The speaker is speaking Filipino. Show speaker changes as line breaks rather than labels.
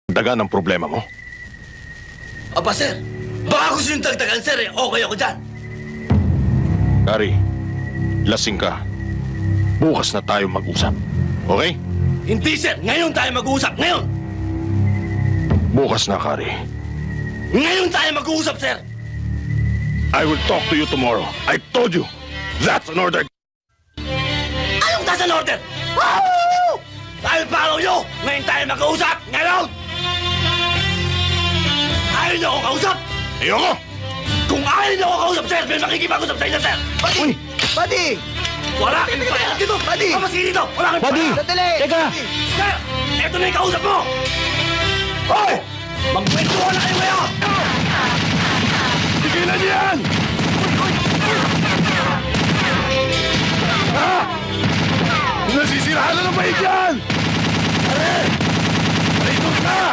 Dagan ang problema mo.
Aba, sir. Baka gusto yung tagtagan, sir, eh. Okay ako dyan.
Kari, lasing ka. Bukas na tayo mag-usap. Okay?
Hindi, sir. Ngayon tayo mag-uusap. Ngayon.
Bukas na, Kari.
Ngayon tayo mag-uusap, sir.
I will talk to you tomorrow. I told you. That's an order.
Anong nasa order? Woo! I'll follow you. Ngayon tayo mag-uusap. Ngayon. Ayaw niyo ako kausap.
Ayoko!
Kung ayaw niyo ako kausap, sir, may makikipag-usap sa inyo, sir.
Uy!
Buddy!
Wala kang pakialam dito.
Buddy!
Pamasin dito. Wala kang
Buddy!
pakialam.
Sandali!
Teka!
Sir, eto na yung kausap mo. Hoy! Magkwentuhan na kayo ngayon.
Tigilan niyo yan! Ha? Nasisirahan na ng bait yan! Pare! Pare, ito ka!